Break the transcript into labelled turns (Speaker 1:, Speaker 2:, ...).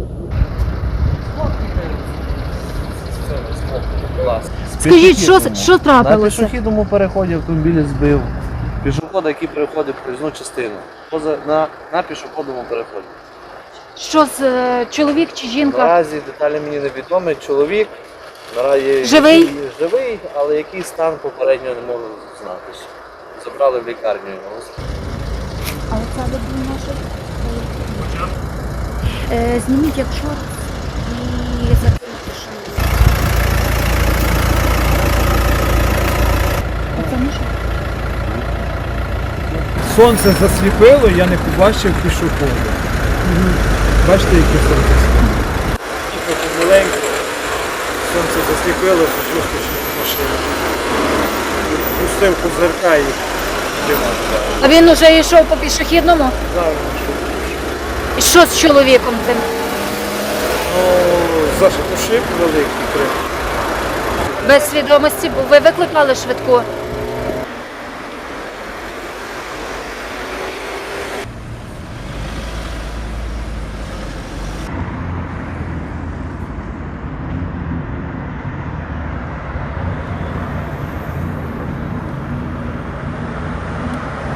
Speaker 1: Скажіть, що
Speaker 2: На
Speaker 1: трапилося?
Speaker 2: пішохідному переході автомобіль збив пішохода, який переходив проїзну частину. На пішохідному переході.
Speaker 1: Що чоловік чи жінка?
Speaker 2: Наразі деталі мені невідомі. Чоловік наразі
Speaker 1: Живий?
Speaker 2: Живий, але який стан попередньо не можу знати. Забрали в лікарню його.
Speaker 1: А оця людина наша. Зніміть, якщо і закрийте шину. Оце Міша?
Speaker 3: Сонце засліпило, я не побачив пішохода. Бачите, яке сонце світить? Їхав помаленьку, сонце засліпило, почув машину. Пустив козирка і тримав.
Speaker 1: А він уже йшов по пішохідному? І що з чоловіком тим?
Speaker 3: Ну, зашито шип великий крив.
Speaker 1: Без свідомості був. Ви викликали швидку?